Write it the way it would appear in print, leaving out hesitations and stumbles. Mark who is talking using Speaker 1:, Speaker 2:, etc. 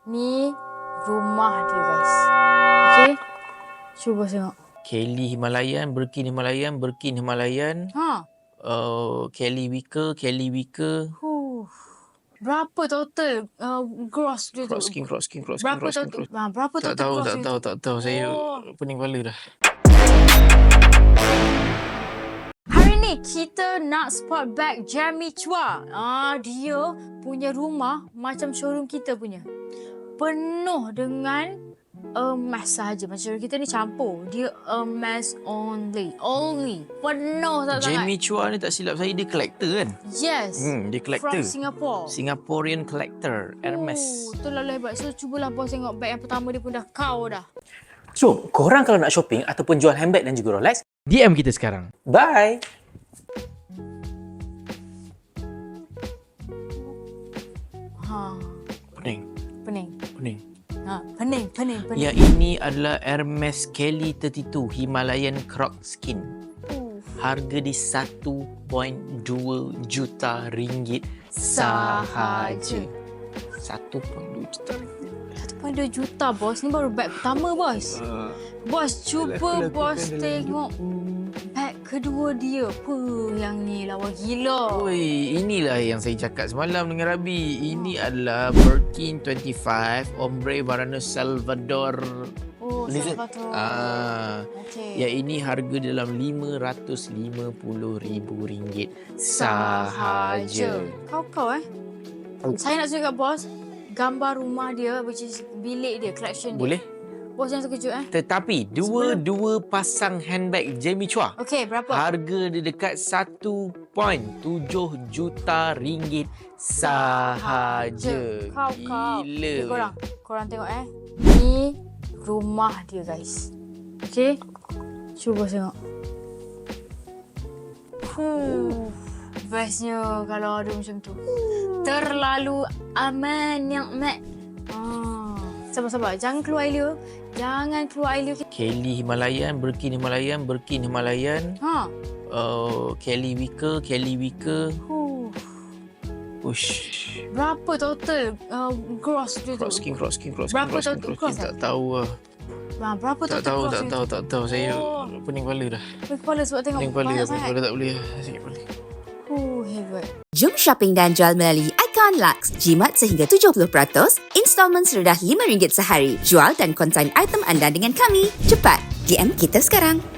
Speaker 1: Ni rumah dia guys. Okay. Cuba tengok.
Speaker 2: Kelly Himalayan, Birkin Himalayan, Birkin Himalayan. Kelly Wicker.
Speaker 1: Berapa total gross dia tu?
Speaker 2: Cross King.
Speaker 1: Berapa total gross dia tu?
Speaker 2: Tak tahu. Saya pening kepala dah.
Speaker 1: Hari ni kita nak spot bag Jamie Chua. Dia punya rumah macam showroom kita punya. Penuh dengan emas sahaja. Macam showroom kita ni campur. Dia emas only. Penuh sangat.
Speaker 2: Jamie Chua ni tak silap saya dia collector kan?
Speaker 1: Yes.
Speaker 2: Dia collector.
Speaker 1: From Singapore.
Speaker 2: Singaporean collector. Hermes.
Speaker 1: Itulah hebat. So cubalah bos tengok bag yang pertama dia pun dah kau dah.
Speaker 3: So, korang kalau nak shopping ataupun jual handbag dan juga Rolex,
Speaker 2: DM kita sekarang.
Speaker 3: bye!
Speaker 2: Pening.
Speaker 1: Pening.
Speaker 2: Yang ini adalah Hermes Kelly 32 Himalayan Croc Skin. Harga di 1.2 juta ringgit sahaja. 1.2 juta ringgit.
Speaker 1: 1.2 juta bos. Ni baru bag pertama bos. Bos cuba bos tengok bag kedua dia. Yang ni lawa gila.
Speaker 2: Oi, inilah yang saya cakap semalam dengan Rabi. Ini adalah Birkin 25 Ombre Varano Salvador.
Speaker 1: Salvador.
Speaker 2: Okay. Yang ini harga dalam RM550,000 sahaja.
Speaker 1: Kau Saya nak tunjuk kat bos gambar rumah dia, which is bilik dia, collection dia.
Speaker 2: Boleh?
Speaker 1: Bos jangan terkejut
Speaker 2: Tetapi dua pasang handbag Jamie Chua.
Speaker 1: Okey, berapa?
Speaker 2: Harga dia dekat 1.7 juta ringgit sahaja.
Speaker 1: Kau.
Speaker 2: Gila.
Speaker 1: Korang tengok Ni rumah dia guys. Okey. Cuba tengok. Bestnya kalau ada macam tu. Terlalu aman yang mat. Sabar. Jangan keluar air dia.
Speaker 2: Kelly Himalayan, Birkin Himalayan. Kelly Wicker. Ush.
Speaker 1: Berapa total gross dia tu?
Speaker 2: Cross King.
Speaker 1: Berapa total gross?
Speaker 2: Tak tahu lah.
Speaker 1: Berapa total gross dia tu?
Speaker 2: Tak tahu. Saya pening kepala dah.
Speaker 1: Pening kepala sebab tengok banyak sangat.
Speaker 2: Pening kepala tak boleh. Sakit kepala.
Speaker 1: Hebat.
Speaker 4: Jom shopping dan jual melalui Icon Lux. Jimat sehingga 70%, installment serendah RM5 sehari. Jual dan konsign item anda dengan kami. Cepat, DM kita sekarang.